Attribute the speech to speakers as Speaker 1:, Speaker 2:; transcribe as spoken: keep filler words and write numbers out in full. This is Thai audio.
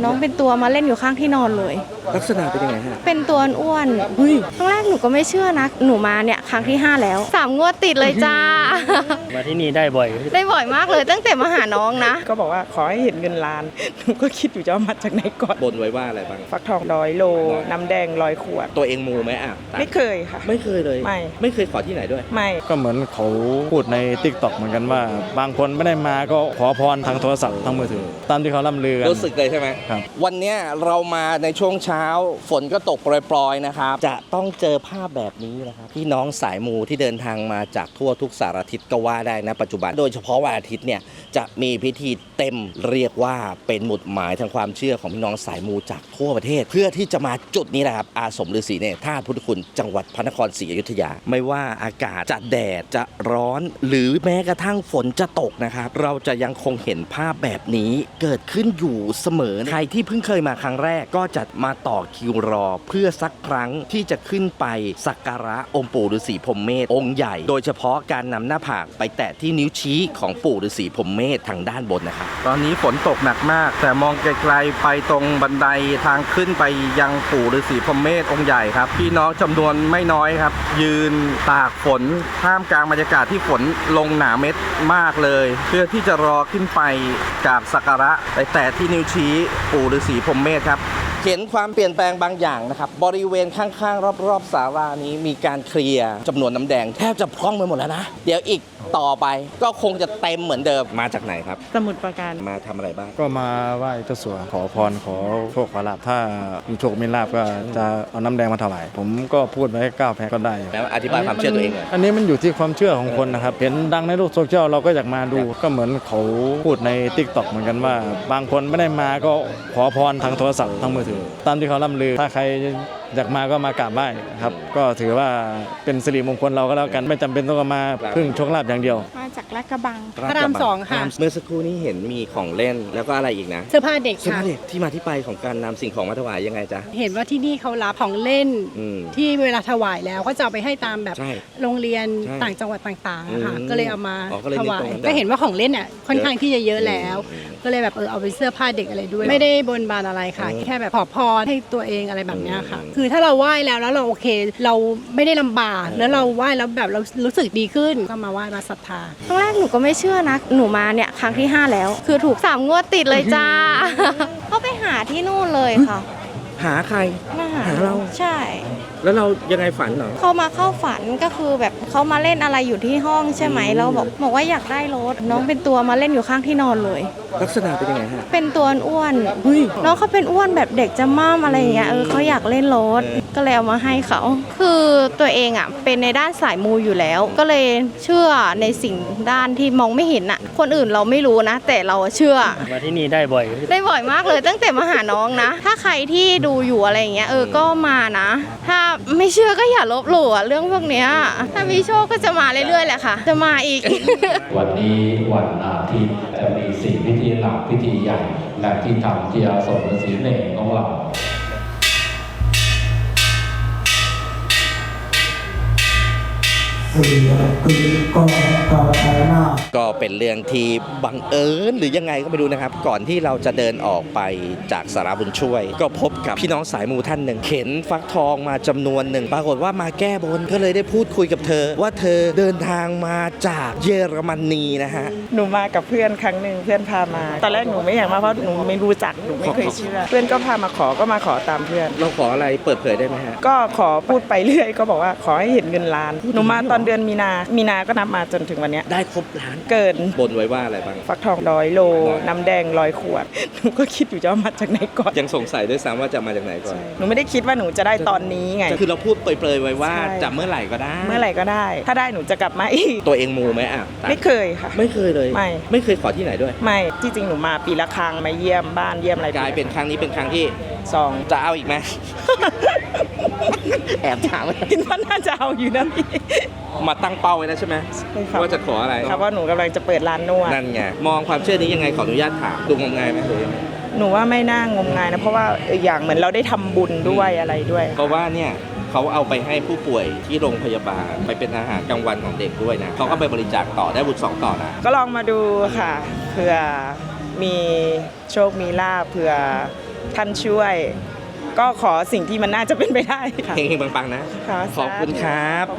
Speaker 1: น้องเป็นตัวมาเล่นอยู่ข้างที่นอนเลย
Speaker 2: ลักษณะเป็นยังไงฮะ
Speaker 1: เป็นตัวอ้วนครั้งแรกหนูก็ไม่เชื่อนะหนูมาเนี่ยครั้งที่ห้าแล้วสามงวดติดเลยจ้า
Speaker 3: มาที่นี่ได้บ่อย
Speaker 1: ได้บ่อยมากเลยตั้งแต่มาหาน้องนะ
Speaker 4: ก็บอกว่าขอให้เห็นเงินล้านหนูก็คิดอยู่จะเอามาจากไหนก่อน
Speaker 2: บนไว้ว่าอะไรบ้าง
Speaker 4: ฟักทองร้อยโลน้ำแดงร้อยขวด
Speaker 2: ตัวเองมูไหมอ่ะ
Speaker 4: ไม่เคยค่ะ
Speaker 2: ไม่เคยเลย
Speaker 4: ไม่
Speaker 2: ไม่เคยขอที่ไหนด้วย
Speaker 4: ไม่
Speaker 5: ก็เหมือนเขาพูดใน ติ๊กต็อก เหมือนกันว่าบางคนไม่ได้มาก็ขอพรทางโทรศัพท์ทางมือถือตามที่เขาล่ำลือกัน
Speaker 2: รู้สึกเลยใช่ไหม
Speaker 5: ครับ
Speaker 2: วันนี้เรามาในช่วงเช้าฝนก็ตกโปรยๆนะครับจะต้องเจอภาพแบบนี้นะครับพี่น้องสายมูที่เดินทางมาจากทั่วทุกสารทิศก็ว่าได้นะปัจจุบันโดยเฉพาะวันอาทิตย์เนี่ยจะมีพิธีเต็มเรียกว่าเป็นหมุดหมายทางความเชื่อของพี่น้องสายมูจากทั่วประเทศเพื่อที่จะมาจุดนี้นะครับอาสมฤาษีเนรธาตุพุทธคุณจังหวัดพระนครศรีอยุธยาไม่ว่าอากาศจะแดดจะร้อนหรือแม้กระทั่งฝนจะตกนะครับเราจะยังคงเห็นภาพแบบนี้เกิดขึ้นอยู่เสมอใครที่เพิ่งเคยมาครั้งแรกก็จะมาต่อคิวรอเพื่อสักครั้งที่จะขึ้นไปสักการะองค์ปู่ฤาษีพรหมเมธองค์ใหญ่โดยเฉพาะการนำหน้าผากไปแตะที่นิ้วชี้ของปู่ฤาษีพรหมเมธทางด้านบนนะครับตอนนี้ฝนตกหนักมากแต่มองไกลๆไปตรงบันไดทางขึ้นไปยังปู่ฤาษีพรหมเมธองค์ใหญ่ครับพี่น้องจำนวนไม่น้อยครับยืนตากฝนท่ามกลางบรรยากาศที่ฝนลงหนาเม็ดมากเลยเพื่อที่จะรอขึ้นไปกราบสักการะไปแตะที่นิ้วชี้ปู่ฤาษีพรหมเมธครับเห็นความเปลี่ยนแปลงบางอย่างนะครับบริเวณข้างๆรอบๆศาลานี้มีการเคลียร์จำนวนน้ำแดงแทบจะพร่องไปหมดแล้วนะเดี๋ยวอีกต่อไปก็คงจะเต็มเหมือนเดิมมาจากไหนครับ
Speaker 4: สมุทรปราการ
Speaker 2: มาทำอะไรบ้าง
Speaker 5: ก็มาไหว้เจ้าสัวขอพรขอโชคขอลาภถ้ามีโชคมีลาภก็จะเอาน้ำแดงมาถวายผมก็พูดไว้เก้าแพ็คก็ได้
Speaker 2: แล้วอธิบายความเชื่อตัวเองเลย
Speaker 5: อันนี้มันอยู่ที่ความเชื่อของคนนะครับเห็นดังในโลกโซเชียลเราก็อยากมาดูก็เหมือนเขาพูดใน ติ๊กต็อก เหมือนกันว่าบางคนไม่ได้มาก็ขอพรทางโทรศัพท์ทางมือถือตามที่เขาล่ำลือถ้าใครอยากมาก็มากราบไหว้ครับก็ถือว่าเป็นสิริมงคลเราก็แล้วกันไม่จำเป็นต้องมาพึ่งโชคลาภอย่างเดียว
Speaker 1: มาจากลาดกระบัง
Speaker 6: พระรามสองค่ะ
Speaker 2: เมื่อสักครู่นี้เห็นมีของเล่นแล้วก็อะไรอีกนะ
Speaker 6: เสื้อผ้าเด็ก
Speaker 2: เสื้อ
Speaker 6: ค่ะ
Speaker 2: ผ้าเด็กที่มาที่ไปของการนำสิ่งของมาถวายยังไงจ๊ะ
Speaker 6: เห็นว่าที่นี่เขารับของเล่นที่เวลาถวายแล้วก็จะเอาไปให้ตามแบบโรงเรียนต่างจังหวัดต่างๆนะคะก็เลยเอามาถวายก็เห็นว่าของเล่นอ่ะค่อนข้างที่จะเยอะแล้วก็เลยแบบเออเอาไปเสื้อผ้าเด็กอะไรด้วยไม่ได้บนบานอะไรค่ะแค่แบบขอพรให้ตัวเองอะไรแบบนี้ค่ะคือถ้าเราไหว้แล้วแล้วเราโอเคเราไม่ได้ลำบากแล้วเราไหว้แล้วแบบเรารู้สึกดีขึ้นก็มาไหว้มาศรัทธา
Speaker 1: ครั้งแรกหนูก็ไม่เชื่อนะหนูมาเนี่ยครั้งที่ห้าแล้วคือถูกสามงวดติดเลยจ้าเขาไปหาที่นู่นเลยค่ะ
Speaker 2: หาใคร
Speaker 1: มาหา
Speaker 2: เรา
Speaker 1: ใช่
Speaker 2: แล้วเรายังไงฝันเหรอ
Speaker 1: เขามาเข้าฝันก็คือแบบเขามาเล่นอะไรอยู่ที่ห้องใช่ไหมเราบอกบอกว่าอยากได้รถน้องเป็นตัวมาเล่นอยู่ข้างที่นอนเลย
Speaker 2: ลักษณะเป็นยังไงฮะ
Speaker 1: เป็นตัวอ้วนน้องเขาเป็นอ้วนแบบเด็กจะม่ามอะไรอย่างเงี้ยเออเขาอยากเล่นรถก็เลยเอามาให้เขาคือตัวเองอ่ะเป็นในด้านสายมูอยู่แล้วก็เลยเชื่อในสิ่งด้านที่มองไม่เห็นอ่ะคนอื่นเราไม่รู้นะแต่เราเชื่อ
Speaker 3: มาที่นี่ได้บ่อย
Speaker 1: ได้บ่อยมากเลยตั้งแต่มาหาน้องนะถ้าใครที่ดูอยู่อะไรอย่างเงี้ยเออก็มานะถ้าไม่เชื่อก็อย่าลบหลู่เรื่องพวกเนี้ยถ้ามีโชคก็จะมาเรื่อยๆแหละค่ะจะมาอีก
Speaker 7: วันนี้วันอาทิตย์จะมีสี่พิธีหลักพิธีใหญ่และที่ทำที่อาสมฤาษีเนรของเรา
Speaker 2: ก็เป็นเรื่องที่บังเอิญหรือยังไงก็ไม่รู้นะครับก่อนที่เราจะเดินออกไปจากสาราบุญช่วยก็พบกับพี่น้องสายมูท่านหนึ่งเข็นฟักทองมาจำนวนหนึ่งปรากฏว่ามาแก้บนก็เลยได้พูดคุยกับเธอว่าเธอเดินทางมาจากเยอรมนีนะฮะ
Speaker 4: หนูมากับเพื่อนครั้งหนึ่งเพื่อนพามาตอนแรกหนูไม่อยากมาเพราะหนูไม่รู้จักหนูไม่เคยเชื่อเพื่อนก็พามาขอก็มาขอตามเพื่อน
Speaker 2: เราขออะไรเปิดเผยได้ไหมฮะ
Speaker 4: ก็ขอพูดไปเรื่อยก็บอกว่าขอให้เห็นเงินล้านหนูมาตอนเดือนมีนามีนาก็นับมาจนถึงวันนี้
Speaker 2: ได้ครบล้าน
Speaker 4: เกิน
Speaker 2: บนไว้ว่าอะไรบ้าง
Speaker 4: ฟักทองร้อยโลน้ำแดงร้อยขวดหนูก็คิดอยู่จะเอามาจากไหนก่อน
Speaker 2: ยังสงสัยด้วยซ้ำว่าจะมาจากไหนก่อน
Speaker 4: หนูไม่ได้คิดว่าหนูจะได้ตอนนี้ไง
Speaker 2: คือเราพูดเปรยๆไว้ว่าจะเมื่อไหร่ก็ได้
Speaker 4: เมื่อไหร่ก็ได้ถ้าได้หนูจะกลับมาอีก
Speaker 2: ตัวเองมูไหมอ่ะ
Speaker 4: ไม่เคยค่ะ
Speaker 2: ไม่เคยเลย
Speaker 4: ไม่
Speaker 2: ไม่เคยขอที่ไหนด้วย
Speaker 4: ไม่ที่จริงหนูมาปีละครั้งมาเยี่ยมบ้านเยี่ยมอะไร
Speaker 2: กลายเป็นครั้งนี้เป็นครั้งที่
Speaker 4: สอง
Speaker 2: จะเอาอีกไหม แอบถาม
Speaker 4: คิดว่าน่าจะเอาอยู่นะพี่
Speaker 2: มาตั้งเป้าไว้แล้วใช่ไหมว่าจะขออะไร
Speaker 4: ครับว่าหนูกำลังจะเปิดร้านนวด
Speaker 2: นั่นไงมองความเชื่อนี้ยังไงขออนุญาตถามดูงมงายไหมหรือยังไง
Speaker 4: หนูว่าไม่น่างมงายนะเพราะว่าอย่างเหมือนเราได้ทำบุญด้วยอะไรด้วย
Speaker 2: เพราะว่าเนี่ยเขาเอาไปให้ผู้ป่วยที่โรงพยาบาลไปเป็นอาหารกลางวันของเด็กด้วยนะเขาก็ไปบริจาคต่อได้บุญสองต่อนะ
Speaker 4: ก็ลองมาดูค่ะเผื่อมีโชคมีลาภเผื่อท่านช่วย ก็ขอสิ่งที่มันน่าจะเป็นไปได้ค่ะ
Speaker 2: เฮงๆปังๆนะ
Speaker 4: ค่ะ
Speaker 2: ขอบคุณครับ